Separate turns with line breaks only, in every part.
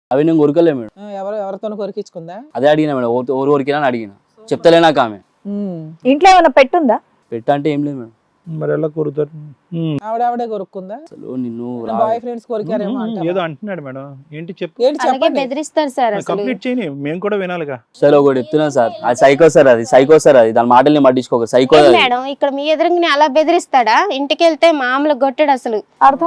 అవి నేను కొరకలే మేడం.
ఎవరితో కొరికించుకుందా?
అదే అడిగినా మేడం, ఎవరు కొరికినా అని అడిగిన. చెప్తలే నాకు ఆమె.
ఇంట్లో ఏమైనా పెట్టుందా?
పెట్ట అంటే ఏం లేదు మేడం.
మరి ఎలా కొరుతారు?
ఆవిడే కొరుక్కుందా?
అసలు నిన్ను
బాయ్ ఫ్రెండ్స్ కొరికారేమో
ఏదో అంటున్నాడు మేడం, ఏంటి చెప్పు.
అలాగే బెదిరిస్తారు సార్. అసలు
కంప్లీట్ చేయని, మేము కూడా వినాలిగా.
సరే ఒకటి చెప్తున్నా సార్, అది సైకో సార్, అది సైకో సార్, అది దాని మాటల్ని పట్టించుకోక సైకో.
మేడం ఇక్కడ మీ ఎదురుగా అలా బెదిరిస్తాడా? ఇంటికి వెళ్తే మామూలు కొట్టాడు అసలు.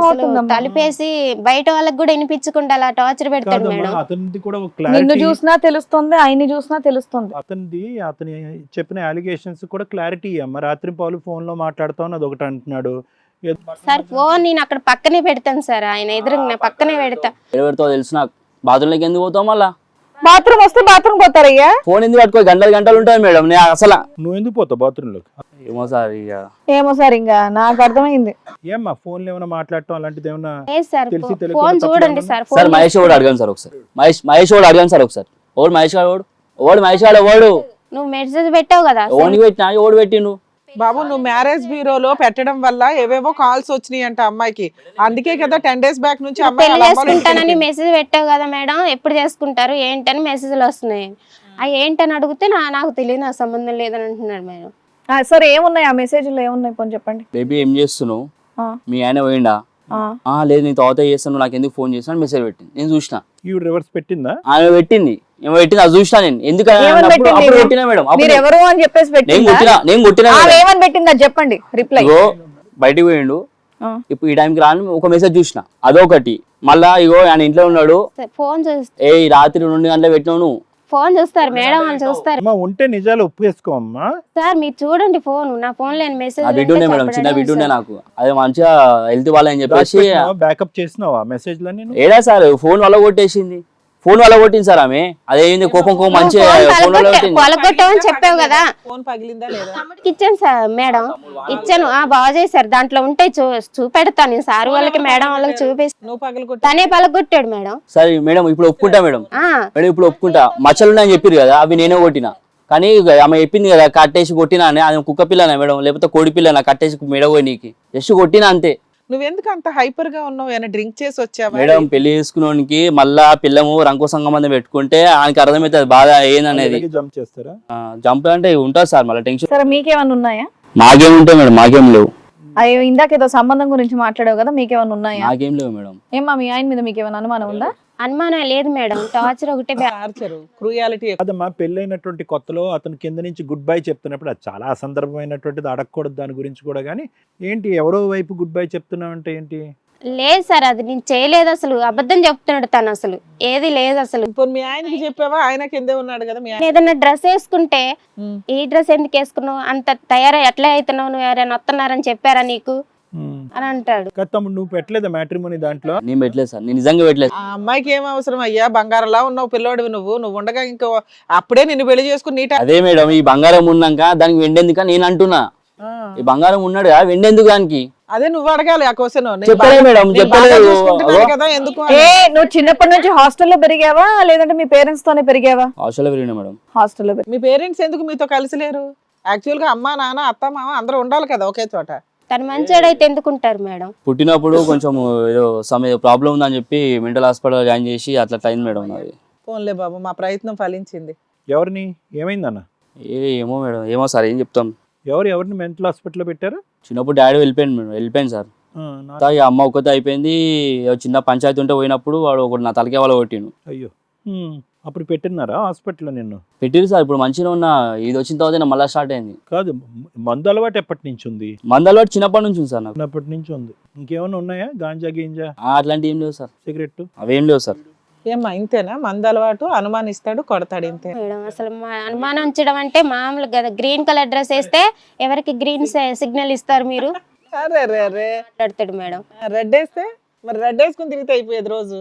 తలిపేసి బయట వాళ్ళకి కూడా వినిపించకుండా అలా టార్చర్ పెడతాడు మేడం.
అతనిది కూడా
నిన్ను చూసినా తెలుస్తుంది, ఆయన్ని చూసినా తెలుస్తుంది.
అతని చెప్పిన అలిగేషన్స్ కూడా క్లారిటీ అమ్మ. రాత్రి పాలు ఫోన్ లో మాట్లాడుతావు అది ఒకటి అంటున్నాడు.
సార్ ఫోన్ నేను అక్కడ పక్కనే పెడతాను సార్, ఆయన ఎదురుగా పక్కనే పెడతా.
పెడతావు తెలుసు నాకు. బాత్రూంలోకి ఎందుకు పోతావు మళ్ళా?
బాత్రూమ్ వస్తే బాత్రూమ్ పోతారయ్యా.
ఫోన్ ఎందుకు పట్టుకో, గంటలు గంటలు ఉంటాయి మేడం. నేను అసలు
నువ్వు ఎందుకు పోతావు బాత్రూమ్ లోకి?
ఏమో సార్, ఇక
ఏమో సార్, ఇంకా నాకు అర్థమైంది.
ఏమ్మా ఫోన్ లో ఏమైనా మాట్లాడటం అలాంటిది ఏమన్నా
సార్
తెలిసి
ఫోన్
తెలియకుండా
చూడండి సార్.
సార్ మహేష్ వాడు అడగాను సార్ ఒకసారి. మహేష్ వాడు అడగాను సార్ ఒకసారి. ఓడు మహేష్ వాడు, ఓడు మహేష్ వాడు, ఓడు
నువ్వు మెసేజ్ పెట్టావు కదా.
ఓనికి పెట్టినా, ఓడు పెట్టిండు.
బాబు నువ్వు మ్యారేజ్ బ్యూరోలో పెట్టడం వల్ల ఏవేవో కాల్స్ వచ్చినాయి అంట అమ్మాయికి. అందుకే కదా 10 days బ్యాక్ నుంచి అమ్మాయి
పెళ్లి చేసుకుంటానని మెసేజ్ పెట్టావు కదా మేడం, ఎప్పుడు చేసుకుంటారు ఏంటని మెసేజ్లు వస్తున్నాయి. అవి ఏంటని అడిగితే నాకు తెలియదు, నాకు సంబంధం లేదని అంటున్నాడు మేడం.
సరే ఏమున్నాయి ఆ మెసేజ్లో, ఏమున్నాయి పోనీ చెప్పండి.
బేబీ ఏం చేస్తున్నావు, మీ ఆయన పోయిండా? లేదు నేను తర్వాత చేస్తాను, నాకు ఎందుకు ఫోన్ చేస్తాను మెసేజ్ పెట్టింది. నేను చూసిన
ఈవిడ రివర్స్ పెట్టిందా?
ఆమె పెట్టింది, ఏమో పెట్టింది, అది చూసినా నేను. ఎందుకంటే పెట్టినా మేడం,
మీరు ఎవరు అని చెప్పేసి
నేను కొట్టినా.
ఏమని పెట్టిందా చెప్పండి రిప్లై.
బయటికి పోయిండు, ఇప్పుడు ఈ టైంకి రాని ఒక మెసేజ్ చూసిన, అదొకటి. మళ్ళా ఇగో ఆయన ఇంట్లో ఉన్నాడు,
ఫోన్
ఏ రాత్రి 2 గంటలకు పెట్టినావు నువ్వు.
ఫోన్ చూస్తారు మేడం, వాళ్ళు చూస్తారు.
ఉంటే నిజాలు ఒప్పేసుకోమ్మా
సార్ మీరు చూడండి ఫోన్, నా ఫోన్ లేని మెసేజ్.
ఆ బిడ్డ ఉండే మేడం, చిన్న బిడ్డ ఉండే నాకు. అదే మంచిగా హెల్త్ వాళ్ళని చెప్పేసి
బ్యాకప్ చేసినావా మెసేజ్ లని?
ఏడా సార్ ఫోన్ వల్ల కొట్టేసింది, ఫోన్ వల్ల కొట్టింది సార్ ఆమె. అదేంది కోపం మంచిగా
పలగొట్టామని చెప్పావు కదా.
ఫోన్ పగిలిందా లేదా?
ఇచ్చాను సార్ మేడం, ఇచ్చాను. బాగా చేశారు, దాంట్లో ఉంటే చూపెడతాను నేను సార్ వాళ్ళకి మేడం వాళ్ళకి చూపిస్తాను.
నువ్వు పగలగొట్టు.
తనే పలగొట్టాడు మేడం.
సరే మేడం ఇప్పుడు ఒప్పుకుంటా మేడం, ఇప్పుడు ఒప్పుకుంటా. మచ్చలు ఉన్నాయని చెప్పారు కదా, అవి నేనే కొట్టినా. కానీ ఆమె చెప్పింది కదా కట్టేసి కొట్టినా అని. అది కుక్క పిల్లనా మేడం, లేకపోతే కోడి పిల్లనా కట్టేసి మెడపోయి నీకు జస్ట్ కొట్టినా అంతే.
నువ్వెందుకు అంత హైపర్ గా ఉన్నావు? ఏమైనా డ్రింక్ చేసి వచ్చావా?
మేడం పెళ్లి చేసుకున్నోనికి మళ్ళా పిల్లము రంకు సంబంధం పెట్టుకుంటే ఆయనకి అర్థమవుతుంది బాధ ఏందనేది.
జంప్ చేస్తారా?
జంప్ అంటే ఉంటుంది సార్, మళ్ళీ టెన్షన్.
సరే మీకేమన్నా ఉన్నాయా?
మాకేం ఉంటాయి మేడం, మాకేం లేవు.
అయ్యో ఇందాక ఏదో సంబంధం గురించి మాట్లాడావు కదా, మీకేమన్నా ఉన్నాయా?
మాకేం లేవు మేడం.
ఏమా మీ ఆయన మీద మీకేమైనా అనుమానం ఉందా?
అనుమానం లేదు మేడం, టార్చర్ ఒకటే.
క్రూయాలిటీ.
అదమ్మా పెళ్ళైనటువంటి కొత్తలో అతను కింద నుంచి గుడ్ బై చెప్తున్నప్పుడు అది చాలా అసందర్భమైనటువంటిది, అడగకూడదు దాని గురించి కూడా. కానీ ఏంటి ఎవరో వైపు గుడ్ బై చెప్తున్నావు అంటే ఏంటి?
లేదు సార్, అది నేను చేయలేదు అసలు, అబద్ధం చెప్తున్నాడు తను, అసలు ఏది లేదు అసలు.
ఇప్పుడు మీ ఆయనకి చెప్పావా? ఆయన కిందే ఉన్నాడు కదా మీ ఆయన.
ఏదైనా డ్రెస్ వేసుకుంటే ఈ డ్రెస్ ఎందుకు వేసుకున్నావు, అంత తయారై ఎట్లా అవుతున్నావు, నువ్వు ఎవరైనా వస్తున్నారని చెప్పారా నీకు అని అంటాడు.
తమ్ముడు నువ్వు పెట్టలేదా మ్యాట్రిమోనీ దాంట్లో?
నేను పెట్టలేదు సార్, నేను నిజంగా పెట్టలేదు.
ఆ అమ్మాయికి ఏం అవసరం అయ్యా? బంగారంలా ఉన్నావు పిల్లోడివి నువ్వు ఉండగా ఇంకో అప్పుడే నిన్ను పెళ్లి చేసుకుని
అదే మేడం, ఈ బంగారం ఉన్నాక దానికి వెండేందుక నేను అంటున్నా. ఈ బంగారం ఉన్నాడు వెండేందుకు దానికి?
అదే నువ్వు అడగాలి ఆ క్వశ్చన్.
చెప్పలేదు మేడం, చెప్పలేదు
కదా. ఎందుకు
నువ్వు చిన్నప్పటి నుంచి హాస్టల్లో పెరిగావా లేదంటే మీ పేరెంట్స్ తోనే పెరిగావా?
హాస్టల్లో పెరిగినా మేడం.
హాస్టల్లో.
మీ పేరెంట్స్ ఎందుకు మీతో కలిసి లేరు? యాక్చువల్ గా అమ్మా నాన్న అత్త మామ అందరూ ఉండాలి కదా ఒకే చోట.
తను మంచోడైతే ఎందుకుంటారు మేడం?
పుట్టినప్పుడు కొంచెం ఏదో ప్రాబ్లం ఉందని చెప్పి మెంటల్ హాస్పిటల్ జాయిన్ చేసి అట్లా అయింది మేడం నాది.
ఫోన్లే బాబు, మా ప్రయత్నం ఫలించింది.
ఎవరిని ఏమైందన్న?
ఏమో మేడం, ఏమో సార్ ఏం చెప్తాం.
ఎవరిని మెంటల్ హాస్పిటల్లో పెట్టారు?
చిన్నప్పుడు డాడీ వెళ్ళిపోయింది సార్. అమ్మ ఒక్కతే అయిపోయింది. చిన్న పంచాయతీ ఉంటే పోయినప్పుడు వాడు ఒకటి నా తలకే వాళ్ళ కొట్టిను.
అయ్యో, అప్పుడు పెట్టినారా హాస్పిటల్లో? నిన్ను
పెట్టిరు సార్. ఇప్పుడు మంచిగా ఉన్నా, ఇది వచ్చిన తర్వాత మళ్ళీ స్టార్ట్ అయింది.
కాదు, మందు అలవాటు ఎప్పటి నుంచి ఉంది?
మందు అలవాటు చిన్నప్పటి నుంచి ఉంది సార్ నాకు.
చిన్నప్పటి నుంచి ఉంది. ఇంకేమైనా ఉన్నాయా? గాంజా గింజా
అట్లాంటివి ఏం లేవు సార్.
సిగరెట్
అవేం లేవు సార్.
ఏమ్మా ఇంతేనా? మందు అలవాటు, అనుమానిస్తాడు, కొడతాడు, ఇంతే
మేడం. అసలు అనుమానం ఉంచడం అంటే మామూలు కదా. గ్రీన్ కలర్ డ్రెస్ వేస్తే ఎవరికి గ్రీన్ సిగ్నల్ ఇస్తారు మీరు? మాట్లాడతాడు మేడం.
రెడ్ వేస్తే మరి రెడ్ వేసుకుని తిరిగితే అయిపోయేది రోజు.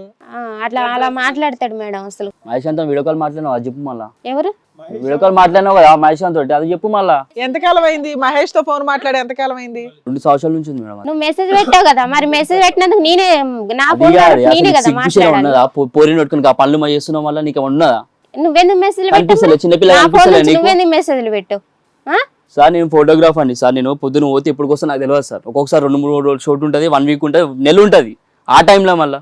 అలా మాట్లాడతాడు మేడం. అసలు
మహేశాంత్ వీడియో కాల్ మాట్లాడినావు, అది చెప్పు మళ్ళా.
ఎవరు
వీడియో కాల్ మాట్లాడినావు కదా మహేశాంత్ తోటి, అది చెప్పు మళ్ళా.
ఎంతకాలం అయింది మహేష్ తో ఫోన్ మాట్లాడి? ఎంతకాలం అయింది?
2 సంవత్సరాల నుంచి ఉంది మేడం.
నువ్వు మెసేజ్ పెట్టావు కదా, మరి మెసేజ్ పెట్టినందుకు నేనే నా ఫోన్ నేనే కదా మాట్లాడాను.
పోరిని పెట్టుకుని పనులు మా చేస్తున్నావు మళ్ళీ, నీకు ఉన్నదా?
నువ్వెందుకు మెసేజ్
పెట్టావు? చిన్నపిల్లలు
నువ్వెందుకు మెసేజ్లు పెట్టావు?
సార్ నేను ఫోటోగ్రాఫర్ అండి సార్. నేను పొద్దున పోతే ఎప్పుడు కోసం నాకు తెలియదు సార్. ఒక్కొక్కసారి 2-3 రోజులు షూట్ ఉంటుంది, 1 వీక్ ఉంటుంది, నెల ఉంటుంది. ఆ టైంలో మళ్ళీ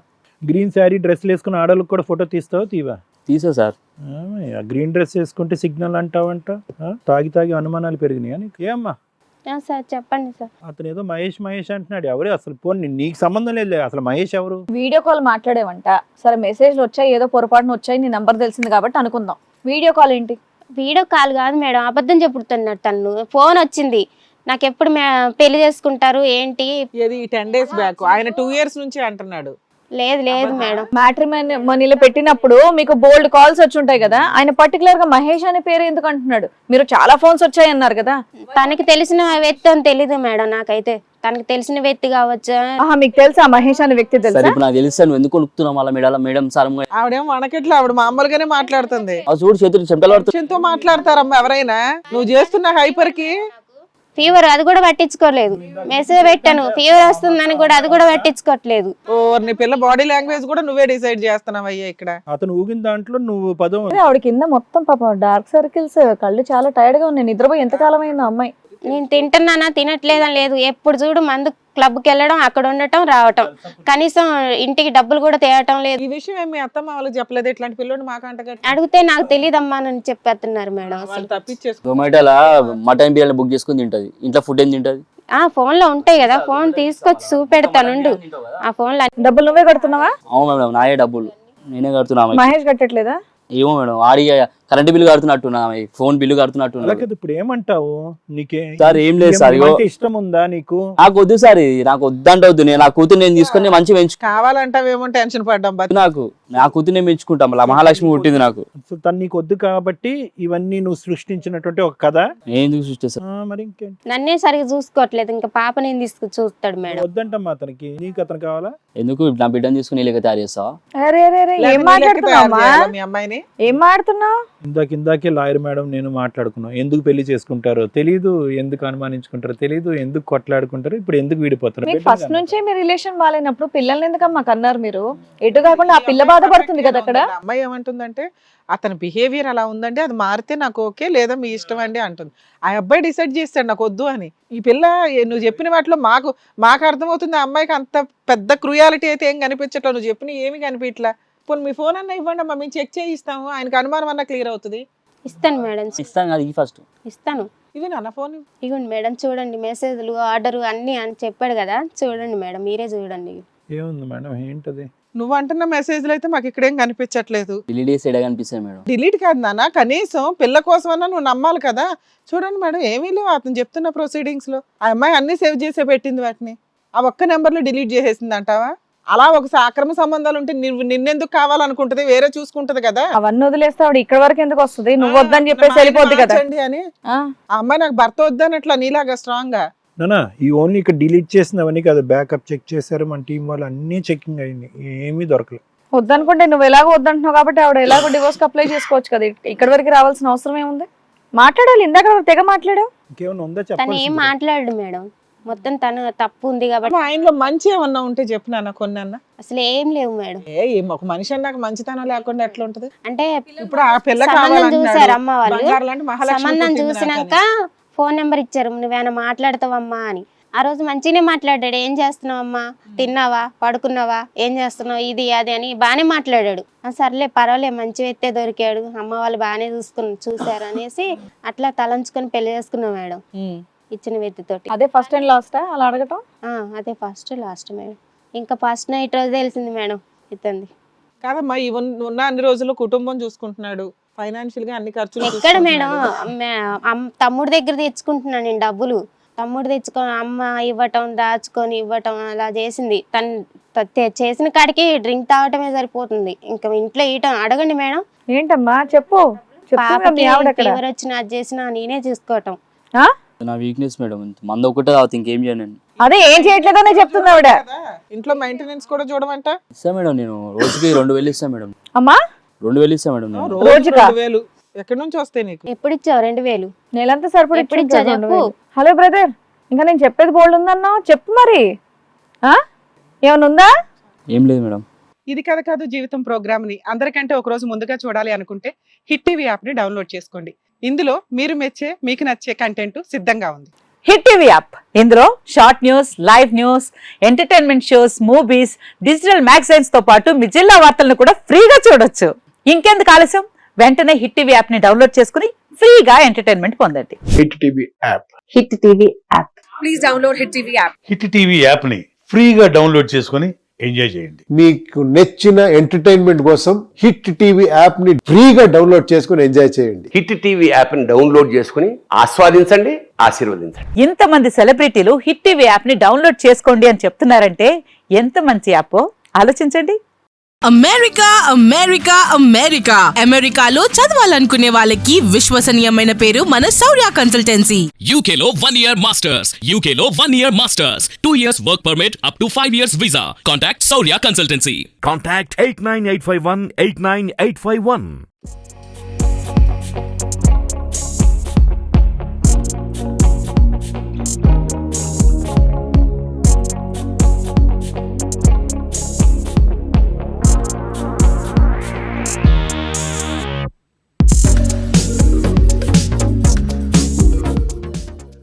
గ్రీన్ శారీ డ్రెస్లు వేసుకుని ఆడవాళ్ళకి కూడా ఫోటో తీస్తావా తీవా?
తీసా సార్.
గ్రీన్ డ్రెస్ వేసుకుంటే సిగ్నల్ అంటావంట. తాగి తాగి అనుమానాలు పెరిగినాయి నీకు. ఏమ్మా
సార్ చెప్పండి సార్.
అతను ఏదో మహేష్ మహేష్ అంటున్నాడు. ఎవరు అసలు? పోనీ నీకు సంబంధం లేదు అసలు. మహేష్ ఎవరు?
వీడియో కాల్ మాట్లాడేవంట. సరే మెసేజ్లు వచ్చాయి, ఏదో పొరపాటున వచ్చాయి, నీ నంబర్ తెలిసింది కాబట్టి అనుకుందాం. వీడియో కాల్ ఏంటి?
వీడియో కాల్ కాదు మేడం, అబద్ధం చెప్పుడుతున్నాడు తను. ఫోన్ వచ్చింది నాకు, ఎప్పుడు పెళ్లి చేసుకుంటారు ఏంటి?
ఏది 10 days బ్యాక్? ఆయన 2 years నుంచి అంటున్నాడు.
లేదు లేదు మేడం.
మ్యాట్రిమోనీలో పెట్టినప్పుడు మీకు బోల్డ్ కాల్స్ వచ్చి ఉంటాయి కదా, ఆయన పర్టికులర్ గా మహేష్ అనే పేరు ఎందుకు అంటున్నాడు? మీరు చాలా ఫోన్స్ వచ్చాయి అన్నారు కదా.
తనకి తెలిసిన వ్యక్తి అని తెలీదు మేడం నాకైతే. తనకి తెలిసిన వ్యక్తి కావచ్చు.
మీకు తెలుసా మహేష్ అనే వ్యక్తి?
సరే
తెలుసా?
ఇప్పుడు నాకు తెలుసా నువ్వు ఎందుకు కొనుక్కుతున్నావు అలా మేడం? మేడం సార్
ఆవిడేమో మనకెట్లా, ఆవిడ మామూలుగానే మాట్లాడుతుంది.
చూడు చేతులు చెంటలు పడుతుంది.
తో మాట్లాడతారమ్మా ఎవరైనా. నువ్వు చేస్తున్న హైపర్ కి
ఫీవర్ అది కూడా పట్టించుకోలేదు. మెసేజ్ పెట్టాను ఫీవర్ వస్తుందని కూడా, అది కూడా పట్టించుకోవట్లేదు.
నీ పిల్ల బాడీ లాంగ్వేజ్ కూడా నువ్వే డిసైడ్ చేస్తున్నావు అయ్యా ఇక్కడ.
అతను ఊగిన దాంట్లో నువ్వు పదం.
ఆవిడ కింద మొత్తం పాపం డార్క్ సర్కిల్స్, కళ్ళు చాలా టైర్డ్ గా ఉన్నాయి. నిద్రపోయి ఎంతకాలం అయిందో అమ్మాయి.
నేను తింటున్నానా తినట్లేదని లేదు, ఎప్పుడు చూడు మందు క్లబ్కి వెళ్ళడం, అక్కడ ఉండటం రావటం, కనీసం ఇంటికి డబ్బులు కూడా తేవటం లేదు.
ఈ విషయం ఏమి అత్తమ్మ వాళ్ళకి చెప్పలేదు? ఇట్లాంటి పిల్లడు మాకు అంటగట్టి
అడిగితే నాకు తెలియదమ్మా అని చెప్పేస్తున్నారు మేడం.
వాళ్ళు తప్పించేసుకో.
జొమాటోలా మటన్ బిర్యానీ బుక్ చేసుకుని తింటది, ఇంట్లో ఫుడ్ ఏం తింటది?
ఫోన్ లో ఉంటాయి కదా, ఫోన్ తీసుకొచ్చి చూపెడతానుండు. ఆ ఫోన్ లో
డబ్బులు నువ్వే కడుతున్నావా?
అవును మేడం, నాయే డబ్బులు నేనే కడుతున్నా.
మహేష్ కట్టట్లేదా?
ఏమో మేడం, ఆడి కరెంట్ బిల్లు కడుతున్నట్టున్నా, ఫోన్ బిల్లు కడుతున్నట్టున్నా.
ఇప్పుడు ఏమంటావు? నీకే
సార్ ఏం లేదు సార్.
ఇష్టం ఉందా నీకు?
నాకు వద్దు సార్, నాకు వద్దంటే వద్దు. నేను నా కూతురు నేను తీసుకొని మంచిగా పెంచు.
కావాలంటావేమో టెన్షన్ పడ్డాం.
నాకు నా కూతురు నేను పెంచుకుంటాం. మహాలక్ష్మి పుట్టింది నాకు.
తను నీకు వద్దు కాబట్టి ఇవన్నీ నువ్వు సృష్టించినటువంటి ఒక కథ.
నేను ఎందుకు సృష్టిస్తాను?
మరి ఇంకేంటి?
నన్నే సరిగా చూసుకోవట్లేదు, ఇంకా పాప నేను తీసుకు చూస్తాడు మేడం.
వద్దంటమ్మా అతనికి. నీకు అతను కావాలా?
ఎందుకు నా బిడ్డను తీసుకుని ఇలాగ తయారు చేస్తావా?
ఏం మాట్లాడుతున్నావు?
మీ అమ్మాయిని
ఏం మాట్లాడుతున్నావు?
ఇందాకే లాయర్ మేడం నేను మాట్లాడుకున్నాం. ఎందుకు పెళ్లి చేసుకుంటారో తెలీదు, ఎందుకు అనుమానించుకుంటారో తెలీదు, ఎందుకు కొట్లాడుకుంటారో, ఇప్పుడు ఎందుకు విడిపోతారు.
మీకు ఫస్ట్ నుంచే మీ రిలేషన్ బాగాలేనప్పుడు పిల్లల్ని ఎందుకమ్మా కన్నారు మీరు? ఎటు కాకుండా ఆ పిల్ల బాధపడుతుంది కదా అక్కడ.
అమ్మాయి ఏమంటుందంటే అతని బిహేవియర్ అలా ఉందండి, అది మారితే నాకు ఓకే, లేదా మీ ఇష్టం అండి అంటుంది. ఆ అబ్బాయి డిసైడ్ చేస్తాడు నాకు వద్దు అని. ఈ పిల్ల నువ్వు చెప్పిన వాటిలో మాకు అర్థమవుతుంది. ఆ అమ్మాయికి అంత పెద్ద క్రూయాలిటీ అయితే ఏం కనిపించట్లేదు. నువ్వు చెప్పిన ఏమి కనిపించట్లా. పోనీ మీ ఫోన్ అన్న ఇవ్వండి అమ్మా, మేము చెక్ చేయిస్తాము. ఆయనకు అనుమానం అన్న క్లియర్ అవుతుంది.
ఇస్తాను మేడం,
ఇస్తాను కదా ఫస్ట్
ఇస్తాను.
ఇది నాన్న ఫోన్
ఇగోండి మేడం, చూడండి మెసేజ్లు, ఆర్డర్ అన్ని అని చెప్పాడు కదా, చూడండి మేడం, మీరే చూడండి.
ఏముంది మేడం? ఏంటది?
నువ్వు అంటున్న మెసేజ్లు అయితే మాకు ఇక్కడేం కనిపించట్లేదు.
డిలీట్ చేసి ఎడ కనిపిస్తాయి మేడం.
డిలీట్ కాదు నాన్న, కనీసం పిల్ల కోసమన్నా నువ్వు నమ్మాలి కదా. చూడండి మేడం, ఏమీ లేవు అతను చెప్తున్న ప్రొసీడింగ్స్ లో. ఆ అమ్మాయి అన్ని సేవ్ చేసే పెట్టింది వాటిని. ఆ ఒక్క నెంబర్లో డిలీట్ చేసేసింది అంటావా? అలా ఒక అక్రమ సంబంధాలు ఉంటే నిన్నెందుకు కావాలనుకుంటది, వేరే చూసుకుంటది కదా.
అవన్నీ వదిలేస్తే ఆవిడ ఇక్కడ వరకు ఎందుకు వస్తుంది? నువ్వు వద్దని చెప్పేసి వెళ్ళిపోద్ది కదా
అని. ఆ అమ్మాయి నాకు భర్త వద్దనట్లా నీలాగా స్ట్రాంగ్ గా.
నానా ఈ ఓన్లీ ఇక్కడ డిలీట్ చేసినవన్నీ కాదు, బ్యాకప్ చెక్ చేశారు మన టీం వాళ్ళు, అన్ని చెకింగ్ అయింది, ఏమీ దొరకలేదు.
వద్దనుకుంటే నువ్వు ఎలాగో వద్దంటున్నావు కాబట్టి ఆవిడ ఎలాగో డివోర్స్ అప్లై చేసుకోవచ్చు కదా. ఇక్కడ వరకు రావాల్సిన అవసరం ఏముంది? మాట్లాడాలి, ఇందాక తెగ మాట్లాడావు.
ఇంకేమైనా ఉందా
తను ఏం
చెప్పాలి?
మాట్లాడు మేడం, మొత్తం తను తప్పు ఉంది కాబట్టి.
ఆయనలో మంచి ఏమన్నా ఉంటే చెప్పు నాన్న, కొన్ని అన్న.
అసలు ఏం లేవు మేడం.
ఒక మనిషి అన్నాక మంచితనం లేకుండా ఎట్లా ఉంటది?
అంటే
ఇప్పుడు ఆ పిల్ల
సంబంధం చూసారు అమ్మ వాళ్ళు,
కావాలంటే
సంబంధం చూసినాక ఫోన్ నెంబర్ ఇచ్చారు, నువ్వేనా మాట్లాడతావమ్మా అని. ఆ రోజు మంచిగానే మాట్లాడాడు. ఏం చేస్తున్నావమ్మా, తిన్నావా, పడుకున్నావా, ఏం చేస్తున్నావు, ఇది అది అని బాగానే మాట్లాడాడు. సర్లే పర్వాలే, మంచి వ్యక్తే దొరికాడు, అమ్మ వాళ్ళు బాగానే చూసారు అనేసి అట్లా తలంచుకొని పెళ్లి చేసుకున్నాం మేడం, ఇచ్చిన వ్యక్తితోటి.
అదే ఫస్ట్ అండ్ లాస్ట్ అలా అడగటం?
అదే ఫస్ట్ లాస్ట్ మేడం. ఇంకా ఫస్ట్ నైట్ రోజు తెలిసింది మేడం ఇతంది.
కాదమ్మా, ఉన్న అన్ని రోజులు కుటుంబం చూసుకుంటున్నాడు, ఫైనాన్షియల్ గా అన్ని ఖర్చులు
ఎక్కడ మేడం, తమ్ముడి దగ్గర తెచ్చుకుంటున్నాను నేను డబ్బులు. తమ్ముడు తెచ్చుకొని అమ్మ ఇవ్వటం, దాచుకొని ఇవ్వటం అలా చేసింది. తను చేసిన కాడికి డ్రింక్ తాగటమే సరిపోతుంది, ఇంకా ఇంట్లో ఇయటం. అడగండి మేడం.
ఏంటమ్మా చెప్పు.
పాపకి ఫీవర్ వచ్చినా అది చేసినా నేనే చూసుకోవటం.
నా వీక్నెస్ మేడం, మందు ఒకటే తాగుతా, ఇంకేం చేయను.
అదే ఏం చేయట్లేదనే చెప్తుంది ఆవిడ.
ఇంట్లో మెయింటెనెన్స్ కూడా చూడమంట.
ఇస్తా మేడం, నేను రోజుకి 2000 ఇస్తా మేడం.
అమ్మా
2000 ఇస్తా మేడం. నేను
రోజుకా?
2000 ఎక్కడి నుంచి వస్తాయి నీకు?
ఎప్పుడు ఇచ్చావు? 2000
నెలంతా సరిపడి
ఎప్పుడు ఇచ్చావు చెప్పు.
హలో బ్రదర్, ఇంకా నేను చెప్పేది బోల్డ్ ఉందన్నావు, చెప్పు మరి. ఏమైనా ఉందా?
ఏం లేదు మేడం.
ఇది కథ కాదు జీవితం ప్రోగ్రామ్ ని అందరికంటే ఒక రోజు ముందుగా చూడాలి అనుకుంటే హిట్ టీవీ యాప్ ని డౌన్లోడ్ చేసుకోండి. ఇందులో మీరు మెచ్చే, మీకు నచ్చే కంటెంట్ సిద్ధంగా ఉంది.
హిట్ టీవీ యాప్ ఇందులో short news, live news, entertainment shows, movies, digital magazines తో పాటు మీ జిల్లా వార్తలను కూడా ఫ్రీగా చూడొచ్చు. ఇంకెందుకు ఆలస్యం, వెంటనే హిట్ టీవీ యాప్ ని డౌన్లోడ్ చేసుకుని ఫ్రీగా ఎంటర్టైన్మెంట్ పొందండి.
Hit TV app.
Hit TV app.
Please download hit TV app.
Hit TV యాప్ని ఫ్రీగా డౌన్లోడ్ చేసుకొని ఎంజాయ్ చేయండి.
మీకు నచ్చిన ఎంటర్టైన్మెంట్ కోసం హిట్ టీవీ యాప్ ని ఫ్రీగా డౌన్లోడ్ చేసుకుని ఎంజాయ్ చేయండి.
హిట్ టీవీ యాప్ని డౌన్లోడ్ చేసుకుని ఆస్వాదించండి, ఆశీర్వదించండి.
ఇంతమంది సెలబ్రిటీలు హిట్ టీవీ యాప్ ని డౌన్లోడ్ చేసుకోండి అని చెప్తున్నారంటే ఎంత మంచి యాప్ ఆలోచించండి.
అమెరికా అమెరికా అమెరికా అమెరికాలో చదవాలనుకునే వాళ్ళకి విశ్వసనీయమైన పేరు మన శౌర్య కన్సల్టెన్సీ.
UK లో 1 year masters, UK లో 1 year masters, 2 years work permit up to 5 years visa. Contact Saurya Consultancy.
Contact 89851 89851.